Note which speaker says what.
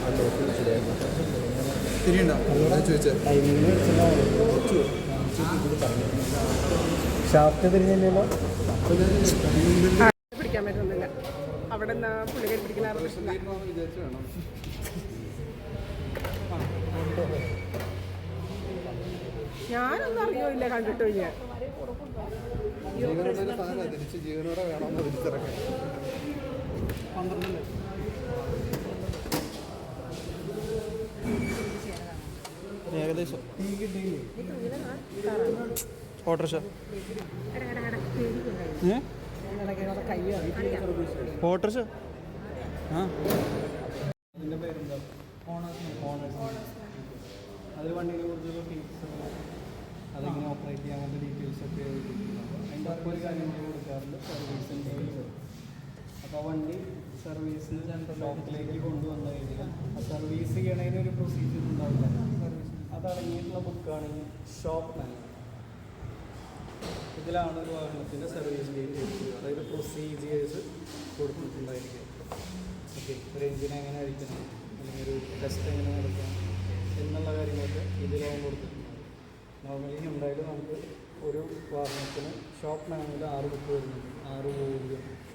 Speaker 1: Shaft തിരിഞ്ഞല്ലോ.
Speaker 2: പിടിക്കാൻ പറ്റുന്നില്ല. അവിടെ നിന്ന് പുള്ളിക്കാരി പിടിക്കുന്ന ഞാനൊന്നും അറിയില്ല, കണ്ടിട്ടോ ഞാൻ.
Speaker 3: ജീവനോടെ വേണമെന്ന് തിരിച്ചിറക്കാം. ഏകദേശം ഓട്ടോറിക്ഷ ഓട്ടോറിക്ഷ ഇതിൻ്റെ പേരെന്താ? അതിൽ വണ്ടിയെ കുറിച്ചുള്ള ഫീസ്, അതെങ്ങനെ ഓപ്പറേറ്റ് ചെയ്യാൻ അങ്ങനത്തെ ഡീറ്റെയിൽസൊക്കെ അതിൻ്റെ ഒപ്പം ഒരു കാര്യങ്ങൾ കൊടുക്കാറുണ്ട്. സർവീസിൻ്റെ അപ്പോൾ ആ വണ്ടി സർവീസിന് സെൻട്രൽ ഷോപ്പിലേക്ക് കൊണ്ടുവന്നു കഴിഞ്ഞാൽ ആ സർവീസ് ചെയ്യണതിന് ഒരു പ്രൊസീജിയർ ഉണ്ടാവില്ല. അതടങ്ങിയിട്ടുള്ള ബുക്കാണ് ഈ ഷോപ്പ് മാനുവൽ. ഇതിലാണ് ഒരു വാഹനത്തിൻ്റെ സർവീസ് ഡീറ്റെയിൽസ്, അതായത് പ്രൊസീജിയേഴ്സ് കൊടുത്തിട്ടുണ്ടായിരിക്കും. ഓക്കെ, ഒരു എഞ്ചിൻ എങ്ങനെ അഴിക്കണം, അല്ലെങ്കിൽ ഒരു ടെസ്റ്റ് എങ്ങനെ നടക്കണം എന്നുള്ള കാര്യങ്ങളൊക്കെ ഇതിലാവും കൊടുത്തിട്ടുണ്ടാകും. നോർമലി ഉണ്ടായാലും നമുക്ക് ഒരു വാഹനത്തിന് ഷോപ്പ് മാനുവൽ 6 ബുക്ക് വരുന്നുണ്ട്, 6 വോള്യം